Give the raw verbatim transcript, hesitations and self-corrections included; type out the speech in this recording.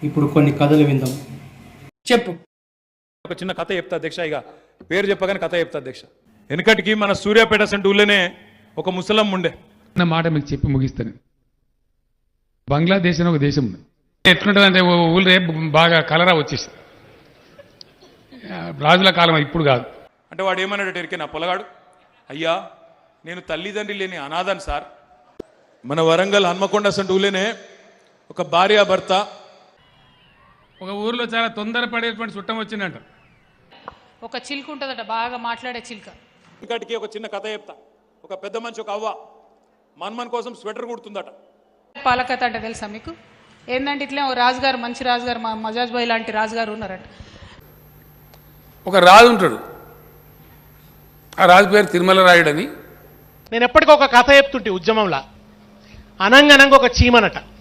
ఇప్పుడు కొన్ని కథలు విందాం. చెప్పు. ఒక చిన్న కథ చెప్తా అధ్యక్ష. ఇక పేరు చెప్పగానే కథ చెప్తా అధ్యక్ష. వెనకటికి మన సూర్యాపేట సెంటర్ ఊళ్ళోనే ఒక ముసలం ఉండే. నా మాట మీకు చెప్పి ముగిస్తాను. బంగ్లాదేశ్ అని ఒక దేశం ఉంది. ఎట్లుంటుంది అంటే ఊళ్ళో బాగా కలరా వచ్చేసి రాజుల కాలం, ఇప్పుడు కాదు. అంటే వాడు ఏమన్నాడు ఎరికే నా పొలగాడు, అయ్యా నేను తల్లిదండ్రి లేని అనాథను సార్. మన వరంగల్ హన్మకొండ సెంటర్ ఊళ్ళోనే ఒక భార్య భర్త. ఒక ఊర్లో చాలా తొందరపడేటువంటి చుట్టం వచ్చిందంట. ఒక చిలుక ఉంటుందట, బాగా మాట్లాడే చిలుక. వెనకటికి ఒక చిన్న కథ చెప్తా. ఒక పెద్ద మనిషి ఒక అవ్వ మన్మన్ కోసం స్వెటర్ కుడుతుందట. పాలకథ అంటే తెలుసా మీకు? ఏంటంటే ఇట్లే ఒక రాజుగారు, మంచి రాజుగారు, మా మజాజ్ భాయ్ లాంటి రాజుగారు ఉన్నారట. ఒక రాజు ఉంటాడు, ఆ రాజు పేరు తిరుమల రాయుడని. నేను ఎప్పటికీ ఒక కథ చెప్తుంటే ఉద్యమంలా, అనంగనంగా ఒక చీమనట